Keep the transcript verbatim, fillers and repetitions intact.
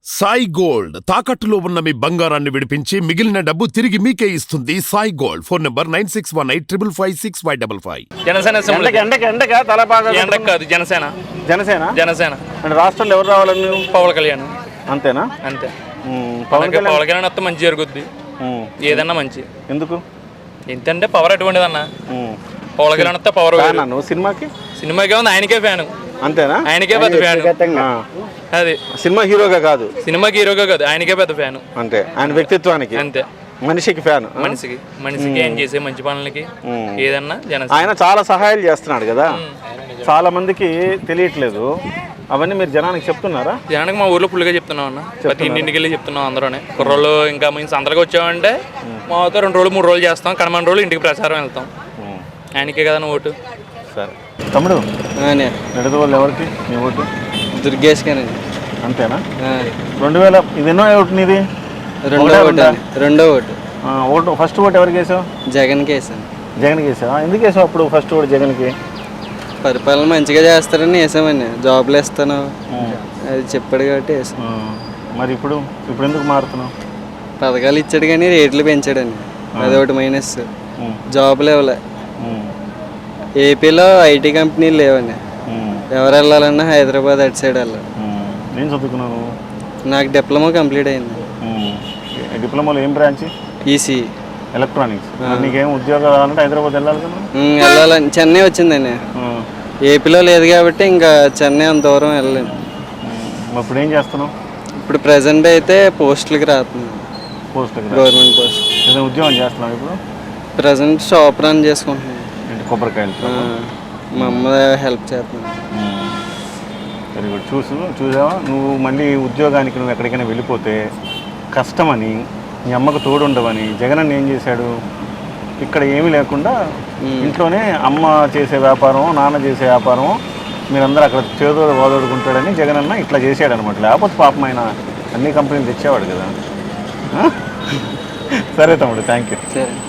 Sai gold తాకట్టులో ఉన్న మీ బంగారాన్ని విడిపించి మిగిలిన డబ్బు తిరిగి మీకే ఇస్తుంది Sai gold. Phone number nine six one eight triple five six five double five. Janasena ఎండక ఎండక తల బాగా ఎండక కాదు జనసేన జనసేన జనసేన అంటే రాష్ట్రంలో ఎవరు రావాలని నువ్వు? పవన్ కళ్యాణ్. అంతేనా? అంతే. పవన్ పవన్ కళ్యాణ్ కళ్యాణ్ వస్తే మంచి జరుగుద్ది, ఏదన్నా మంచి. ఎందుకు? ఎంతంటే పవర్ అటువంటిది అన్న. పవన్ కళ్యాణ్ వస్తే పవర్. నువ్వు సినిమాకి సినిమాకే ఉంది, ఆయనకే ఫ్యాన్. అంతేనా? ఆయనకే పెద్ద ఫ్యాన్. అది సినిమా హీరోగా కాదు, సినిమాకి హీరోగా కాదు, ఆయనకే పెద్ద ఫ్యాన్. అంతే. ఆయన వ్యక్తిత్వానికి అంతే, మనిషికి ఫ్యాన్. మనిషికి మనిషికి ఏం చేసే మంచి పనులకి ఏదన్నా జనసేన. ఆయన చాలా సహాయాలు చేస్తున్నాడు కదా, చాలా మందికి తెలియట్లేదు. అవన్నీ మీరు జనానికి చెప్తున్నారా? జనానికి మా ఊర్లో ఫుల్గా చెప్తున్నాం అన్న. ప్రతి ఇంటింటికి వెళ్ళి చెప్తున్నాం అందరూనే. కుర్రోళ్ళు ఇంకా మేము సందరికి వచ్చామంటే మాతో రెండు రోజులు మూడు రోజులు చేస్తాం, కడమని రోజులు ఇంటికి ప్రచారం వెళ్తాం. ఆయనకే కదా ఓటు. సరే తమ్ముడు, నడుదు వాళ్ళు ఎవరికి నీ ఓటు? దుర్గేష్ గారు. అంతేనా? రెండు వేల ఇది ఎన్నో ఓటు నీది? రెండో ఓటు. రెండో ఓటు. ఓటు ఫస్ట్ ఓటు ఎవరికి వేసావు? జగన్కి వేసాను. జగన్కి వేసావా? ఎందుకు వేసావు అప్పుడు ఫస్ట్ ఓటు జగన్కి? పరిపాలన మంచిగా చేస్తారని వేసామని, జాబ్లు ఇస్తాను అది చెప్పాడు కాబట్టి వేసాను. మరి ఇప్పుడు ఇప్పుడు ఎందుకు మారుతున్నావు? పథకాలు ఇచ్చాడు కానీ రేట్లు పెంచాడని, అది ఒకటి మైనస్. జాబులు ఇవ్వలే. ఏపీలో ఐటీ కంపెనీలు లేవని, ఎవరు వెళ్ళాలన్నా హైదరాబాద్ అటు సైడ్ వెళ్ళాలి. నేను చదువుకున్నాను. నాకు డిప్లొమా కంప్లీట్ అయింది. డిప్లొమాలో ఏం బ్రాంచ్? EC electronics. నీకేం ఉద్యోగం రావాలంటే హైదరాబాద్ వెళ్ళాలి కదా? వెళ్ళాలని చెన్నై వచ్చిందండి. ఏపీలో లేదు కాబట్టి ఇంకా చెన్నై అంత దూరం వెళ్ళలేను. ఇప్పుడు ఏం చేస్తున్నావు? ఇప్పుడు ప్రజెంట్ అయితే పోస్టులకి రాస్తున్నాను. పోస్టులకి? Government post. ఏదైనా ఉద్యోగం చేస్తున్నావు ఇప్పుడు? ప్రజెంట్ షాప్ రన్ చేసుకుంటున్నాను. కొబ్బరికాయలు మా అమ్మ హెల్ప్ చేస్తున్నాను. Very good. చూసు చూసావా నువ్వు మళ్ళీ ఉద్యోగానికి నువ్వు ఎక్కడికైనా వెళ్ళిపోతే కష్టమని, మీ అమ్మకు తోడు ఉండవని జగనన్న ఏం చేశాడు? ఇక్కడ ఏమీ లేకుండా ఇంట్లోనే అమ్మ చేసే వ్యాపారం, నాన్న చేసే వ్యాపారం, మీరందరూ అక్కడ చేదోడు వాదోడుకుంటాడని జగనన్న ఇట్లా చేసాడు అనమాట. లేకపోతే పాపం ఆయన అన్ని కంపెనీలు తెచ్చేవాడు కదా. సరే తమ్ముడు, థ్యాంక్ యూ. సరే.